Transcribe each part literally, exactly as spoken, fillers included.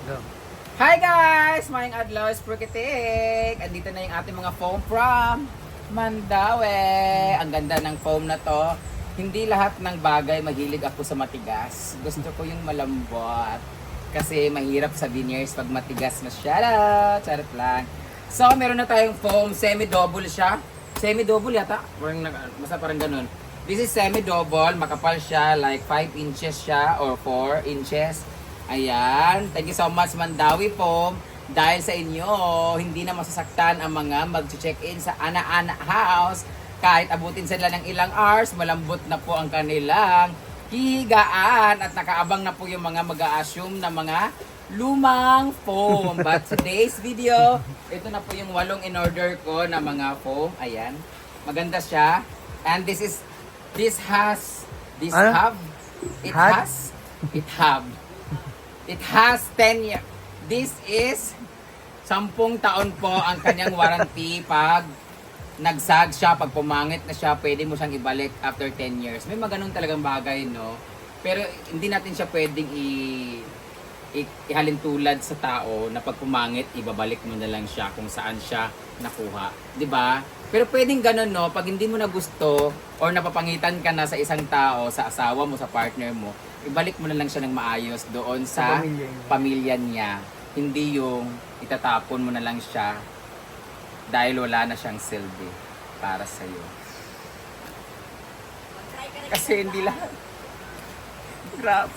Go. Hi guys! Mayang adlaw is Prokitik! Andito na yung ating mga foam from Mandaue. Ang ganda ng foam na to. Hindi lahat ng bagay mahilig ako sa matigas. Gusto ko yung malambot. Kasi mahirap sa veneers pag matigas masyado. Charot lang. So, meron na tayong foam. Semi-double siya. Semi-double yata. Parang, nag- basta parang ganun. This is semi-double. Makapal siya. Like five inches siya or four inches. Ayan. Thank you so much, Mandaue Foam. Dahil sa inyo, hindi na masasaktan ang mga mag-check-in sa Ana-Ana House. Kahit abutin sila ng ilang hours, malambot na po ang kanilang higaan at nakaabang na po yung mga mag-a-assume na mga lumang foam. But today's video, ito na po yung walong in-order ko na mga foam. Ayan. Maganda siya. And this is, this has, this Ano? have, it Had? has, it have. It has ten years. This is sampung taon po ang kanyang warranty pag nagsag siya, pag pumangit na siya, pwede mo siyang ibalik after ten years. May mga ganun talagang bagay, no? Pero hindi natin siya pwedeng i, i ihalin tulad sa tao na pag pumangit, ibabalik mo na lang siya kung saan siya nakuha. 'Di ba? Pero pwedeng ganun, no? Pag hindi mo na gusto or napapangitan ka na sa isang tao, sa asawa mo, sa partner mo, ibalik mo na lang siya ng maayos doon sa, Sa pamilya niya. pamilya niya. Hindi yung itatapon mo na lang siya dahil wala na siyang silbi para sa'yo. Kasi hindi lang. Grabe.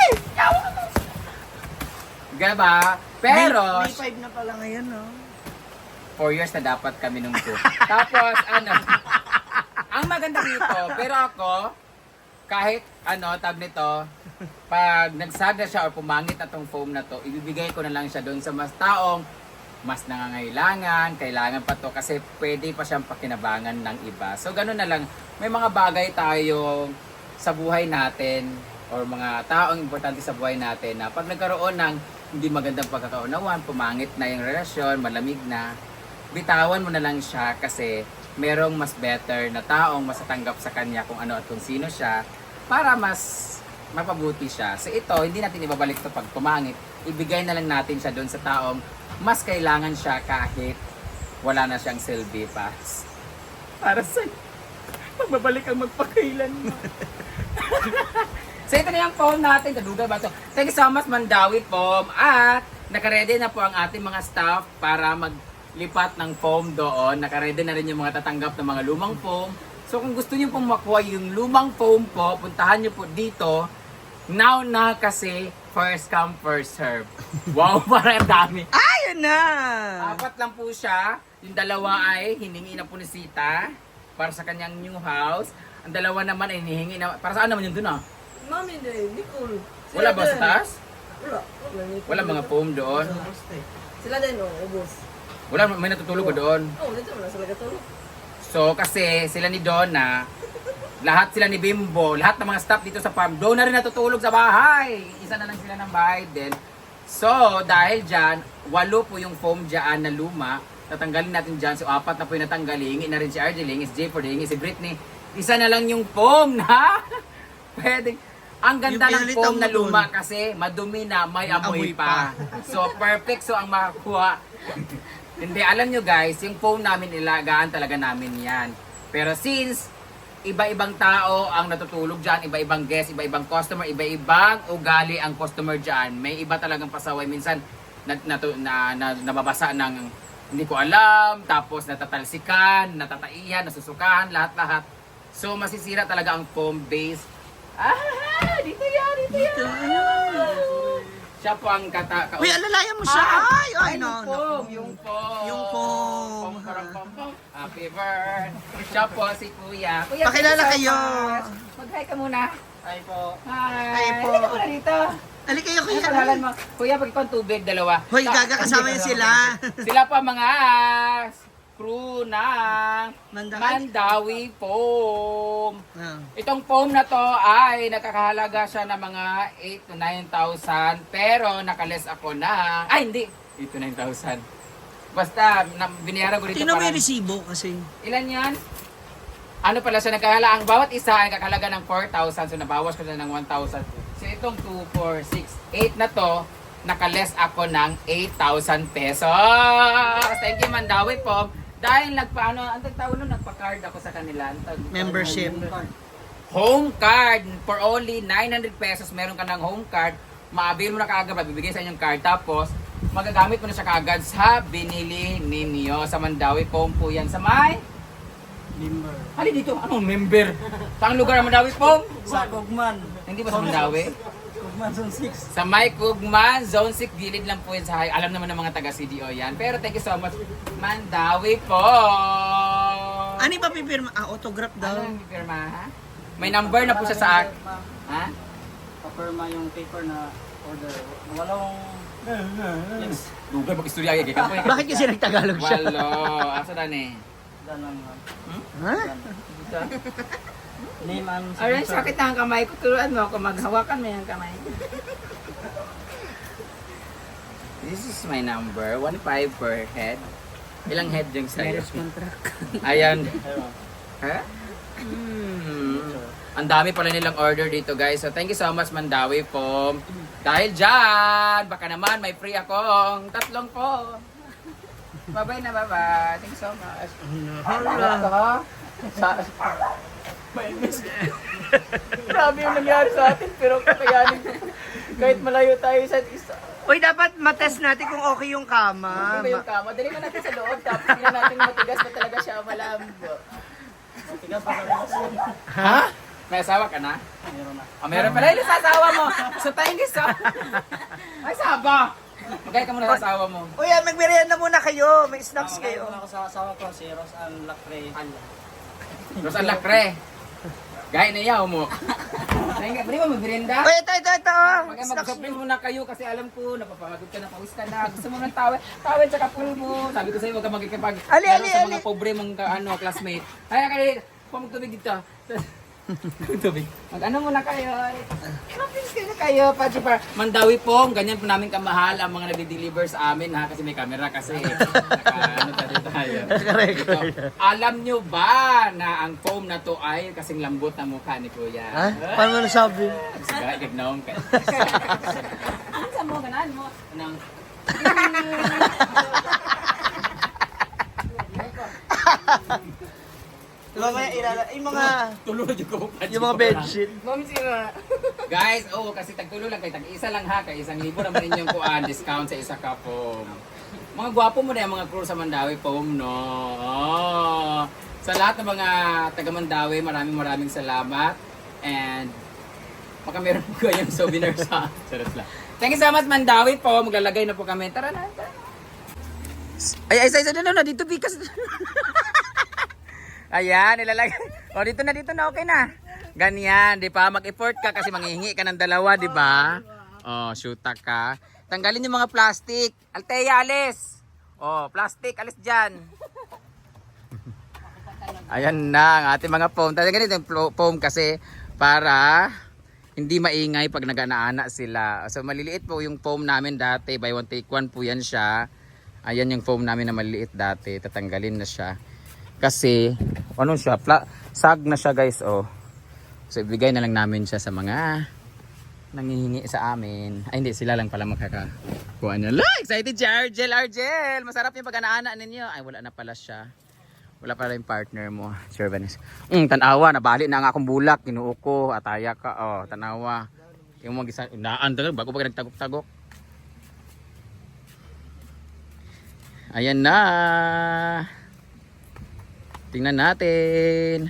Diba? Pero, May, may five na pala ngayon, no? four years na dapat kami nung two. Tapos, ano, ang maganda dito, pero ako, kahit ano, tab nito, pag nagsada siya or pumangit na tong foam na to, ibibigay ko na lang siya doon sa mas taong mas nangangailangan, kailangan pa to kasi pwede pa siyang pakinabangan ng iba. So, ganun na lang. May mga bagay tayo sa buhay natin or mga taong importante sa buhay natin na pag nagkaroon ng hindi magandang pagkakaunawan, pumangit na yung relasyon, malamig na, bitawan mo na lang siya kasi merong mas better na taong masatanggap sa kanya kung ano at kung sino siya para mas mapabuti siya. So ito, hindi natin ibabalik to pag pumangit. Ibigay na lang natin siya doon sa taong mas kailangan siya kahit wala na siyang silbi pa. Para sa magbabalik ang magpakailan mo. So ito na yung foam natin. Kaduga ba ito? Thank you so much, Mandaue Foam. At nakaredy na po ang ating mga staff para maglipat ng foam doon. Nakaredy na rin yung mga tatanggap ng mga lumang foam. So kung gusto niyo pong makuha yung lumang foam po, puntahan niyo po dito. Now na kasi first come first serve. Wow, parang dami. Ayun na! Apat lang po siya. Yung dalawa ay hiningi na po ni Sita para sa kanyang new house. Ang dalawa naman ay hinihingi na, para saan naman yun dun ah? Mami din, Nicole. Wala ba sa taas? Wala. Wala, Nicole. Wala mga foam doon. Sila din, oh, ubos. Wala, may natutulog ba doon? Oh, dito wala sila katulog. So kasi sila ni Donna, lahat sila ni Bimbo, lahat ng mga staff dito sa farm, doon na rin natutulog sa bahay. Isa na lang sila ng bahay din. So dahil dyan, walo po yung foam dyan na luma. Tatanggalin natin dyan. So apat na po yung natanggal. Hingi na rin si Arjeling, si Jayford, hingi si Britney. Isa na lang yung foam na pwede. Ang ganda Yung ng pinalitan foam mo na dun. luma kasi madumi na, may amoy, Amoy pa. So perfect so ang makakuha. Hindi, alam nyo guys, yung phone namin ilagaan talaga namin yan. Pero since iba-ibang tao ang natutulog dyan, iba-ibang guest, iba-ibang customer, iba-ibang ugali ang customer dyan, may iba talagang pasaway. Minsan na, na, na, na, nababasa ng hindi ko alam, tapos natatalsikan, natataihan, nasusukahan, lahat-lahat. So masisira talaga ang foam base. Ah, dito yan, dito yan. Siya po ang kata... ka- Uy, alalayan mo siya! Ah, Ay, ay, ay, no, yung no. foam, yung foam. Yung foam. Pom, parang pom, pom. Happy birthday. Siya po si Kuya. Kuya, Pakilala thank you so kayo. much. Mag-hi ka muna. Ay po. Hi. Hi po. Halika muna dito. Ali kayo, Ano kuya. pangalan mo? Kuya, pag ikaw tubig, dalawa. Hoy, Ta- gaga, kasama hindi, yun dalawa. sila. Sila pa mga crew ng Mandaue. Mandaue Foam. Ah. Itong foam na to ay nakakahalaga siya ng mga eight to nine thousand pero nakales ako na ay hindi eight to nine thousand basta na, binayaran ko dito Tingnan mo parang yung resibo kasi. ilan yan? Ano pala siya nagkahalaga ang bawat isa ay nakakahalaga ng four thousand so nabawas ko na ng one thousand so itong two, four, six, eight na to nakaless ako ng eight thousand pesos. Thank you, Mandawi po. Dahil nagpaano, ang tawag nun, nagpa-card ako sa kanila. Ang tag- Membership. Home card. For only nine hundred pesos, meron ka ng home card. Maabil mo na kaagad, mabibigay sa inyong card. Tapos, magagamit mo na siya kaagad sa binili ninyo. Sa Mandawi po po yan. Sa may? Member. Hali dito, anong member? Saan lugar ang Mandawi po? Sa Kugman. Hindi ba sa Mandawi? Kugman Zone six. Sa May Kugman, Zone six, gilid lang po yun sa high. Alam naman ng mga taga-C D O yan. Pero thank you so much, Mandawi po! Ano yung papipirma? Ah, autograph daw. Ano yung pirma, ha? May number na po siya sa akin. Ha? Papirma yung paper na order. Walong links. Google, mag-istorya kayo. Kaya po yun. Bakit kasi nagtagalog siya? Walo. Asa na ni? Dan lang. Ha? Name and Alright, sakit na ang kamay ko. Turuan mo ako. Maghawakan mo yung kamay ko. This is my number. one five per head. Ilang head yung sa'yo? Marriage contract. Ayan. Ha? Hmm. Ang dami pala nilang order dito, guys. So, thank you so much, Mandawi po. Dahil dyan, baka naman may free akong tatlong po. Bye-bye na, bye-bye. Thank you so much. Hala. Sa... May miss. Grabe yung nangyari sa atin, pero kakayanin ko. Kahit malayo tayo sa isa. Uy, dapat matest natin kung okay yung kama. Ano ba yung kama? Dali na natin sa loob, tapos hindi na natin matigas na talaga siya malambo. Tigas pa lang. Ha? May asawa ka na? Meron na. Ah, meron pala yung sa asawa mo. So, thank you so Ay, saba! Magkaya ka muna sa asawa mo. Uy, ah, magmerienda muna kayo. May snacks kayo. Ako sa asawa ko, si Ros and Lacre. Rosan Lacre. Gaya na yaw mo. Thank you. Pwede mo mag-merienda? Uy, ito, ito, ito. Mag Snacks. mag-shopping muna kayo kasi alam ko, napapagod ka na, pawis ka na. Gusto mo ng tawel, tawel sa pulbo. Sabi ko sa'yo, huwag ka magkikipag Ali, laro ali, sa ali. mga pobre mong ka- ano, classmate. Ay, kali, pumagtubig dito. Tubig. Mag-ano muna kayo. Shopping kayo na kayo, Pachi Par. Mandawi po, ganyan po namin kamahal ang mga nagde-deliver sa amin ha, kasi may camera kasi. Naka, ano tayo tayo. Naka-record. Ito. Alam nyo ba na ang foam na to ay kasing lambot na mukha ni Kuya? Ha? Paano mo nasabi? Sige, gagnaong ka. Ano sa mo, ganaan mo? Anong... Mamaya ilala. Yung mga, Tulo yung ko. yung mga bedsheet. Mami sira. Guys, oh, kasi tagtulo lang kayo. Tag-isa lang ha. Kaya isang libo naman inyong kuan. Discount sa isa ka foam. Mga gwapo mo na yung mga crew sa Mandawi foam, no? Oh. Sa lahat ng mga taga Mandawi, maraming maraming salamat. And baka meron po kayong souvenir sa... Charot lang. Thank you so much, Mandawi po. Maglalagay na po kami. Tara na, tara na. Ay, ay, ay, ay, na, na, dito, Bikas. Ayan, ilalagay. O, dito na, dito na, okay na. Ganyan, di ba? Mag-effort ka kasi manghihingi ka ng dalawa, di ba? O, shoota ka. Tanggalin yung mga plastic. Altea, alis. O, plastic, alis dyan. Ayan na, ang ating mga foam. Tanggalin ganito yung foam kasi para hindi maingay pag nag-aana sila. So, maliliit po yung foam namin dati. Buy one, take one po yan siya. Ayan yung foam namin na maliliit dati. Tatanggalin na siya. Kasi, ano siya, pla sag na siya guys, oh. So, ibigay na lang namin siya sa mga nangihingi sa amin. Ay, hindi, sila lang pala makakakuha niya. Look, excited si Argel, Argel! Masarap yung pag-anaana ninyo. Ay, wala na pala siya. Wala pala yung partner mo, Sir Vanessa. Mm, tanawa, nabali na nga akong bulak, kinuo ko, ataya ka, oh, tanawa. Yung mga gisa, naan talaga, bago pa nagtagok-tagok. Ayan na. Tingnan natin.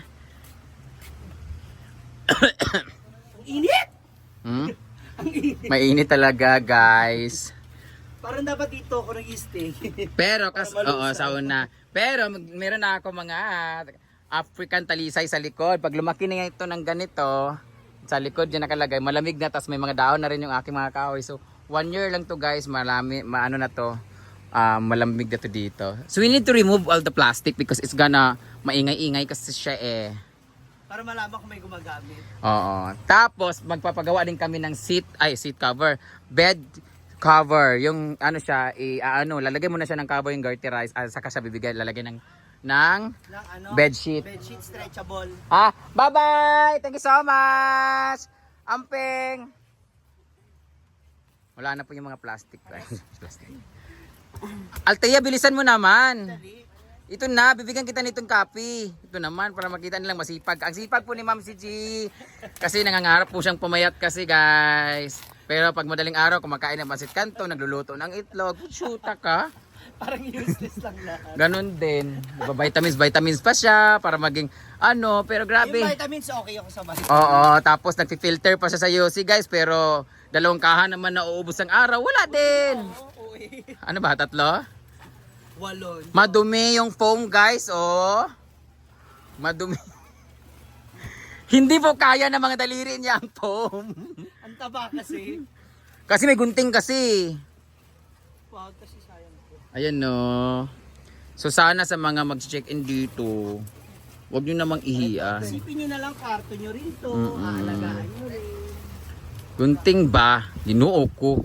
Init! Hmm? Mainit talaga, guys. Parang dapat dito ako nag-stay. Pero, kas oo, sa una. Pero, mag- meron na ako mga African talisay sa likod. Pag lumaki na ito ng ganito, sa likod yan nakalagay, malamig na, tas may mga daon na rin yung aking mga kahoy. So, one year lang to guys, malami, maano na to. Uh, malamig na to dito. So we need to remove all the plastic because it's gonna maingay-ingay kasi siya eh. Para malaman kung may gumagamit. Oo. Tapos magpapagawa din kami ng seat, ay seat cover, bed cover. Yung ano siya, i uh, ano, lalagay mo na siya ng cover yung garterize, uh, saka siya bibigay, lalagay ng ng Ng ano? bedsheet. Bedsheet stretchable. Ah, bye-bye. Thank you so much. Amping. Wala na po yung mga plastic. Plastic. Althea, bilisan mo naman. Ito na, bibigyan kita nitong copy. Ito naman, para makita nilang masipag. Ang sipag po ni Ma'am si G. Kasi nangangarap po siyang pumayat kasi guys. Pero pag madaling araw, kumakain ng pansit kanto, nagluluto ng itlog, shoota ka. Parang useless lang lahat. Ganon din. Diba, vitamins, vitamins pa siya para maging ano, pero grabe. Yung vitamins, okay ako sa vitamins. Oo, tapos nagfi-filter pa siya sa U C guys, pero dalawang kahan naman na uubos ang araw, wala din. Oo, eh. Ano ba, tatlo? Walon. Madumi yung foam guys, oh. Madumi. Hindi po kaya ng mga daliri niya ang foam. Ang taba kasi. Kasi may gunting kasi. Wag kasi sayang po. Ayan no. So sana sa mga mag-check-in dito, huwag nyo namang ihiya. Isipin nyo na lang karto nyo rito. Mm-mm. Aalagaan nyo rin. Gunting ba? Ginoo ko.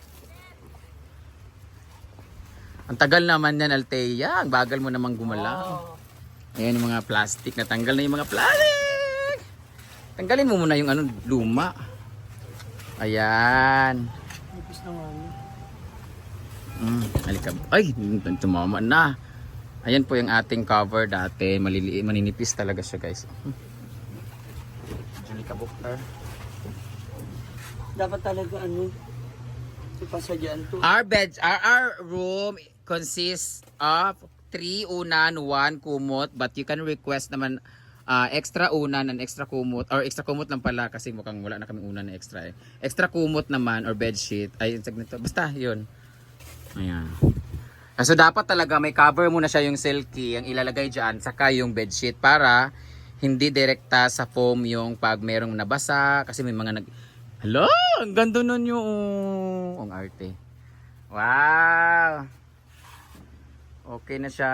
Ang tagal naman yan, Althea. Ang bagal mo namang gumalaw. Oh. Ayan yung mga plastic. Natanggal na yung mga plastic. Tanggalin mo muna yung ano, luma. Ayan. Nipis na nga. Mm, halika. Ay, tumama na. Ayan po yung ating cover dati. Maliliit, maninipis talaga siya guys. Halika, Buktar. Dapat talaga ano, ipasadyaan to. Our bed, our, our room consists of three unan, one kumot, but you can request naman uh, extra unan and extra kumot, or extra kumot lang pala kasi mukhang wala na kaming unan na extra eh. Extra kumot naman or bed sheet. Ay, nito. Basta, yun. Ayan. Ah, so dapat talaga may cover muna siya yung silky, ang ilalagay dyan, saka yung bed sheet para hindi direkta sa foam yung pag merong nabasa, kasi may mga nag... Hello! Ang ganda nun yung... Ang arte. Wow! Okay na siya.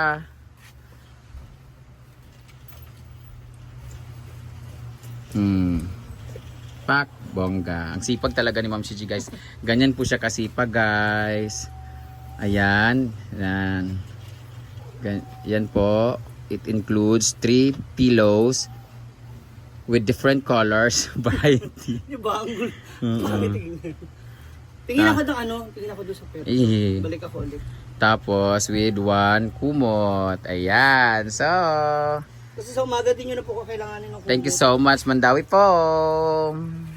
Hmm. Pak, bongga. Ang sipag talaga ni Ma'am Shiji guys. Ganyan po siya kasipag guys. Ayan. Yan. Gan yan po. It includes three pillows with different colors, variety. Yung banggol. Mm-mm. Bakit tingin? Tingin Ah. ako doon ano, tingin ako doon sa pera. Eh. Balik ako ulit. Tapos with one kumot. Ayan. So, Kasi sa umaga din yun na po ko kailanganin ng thank you kumot. so much Mandawi po.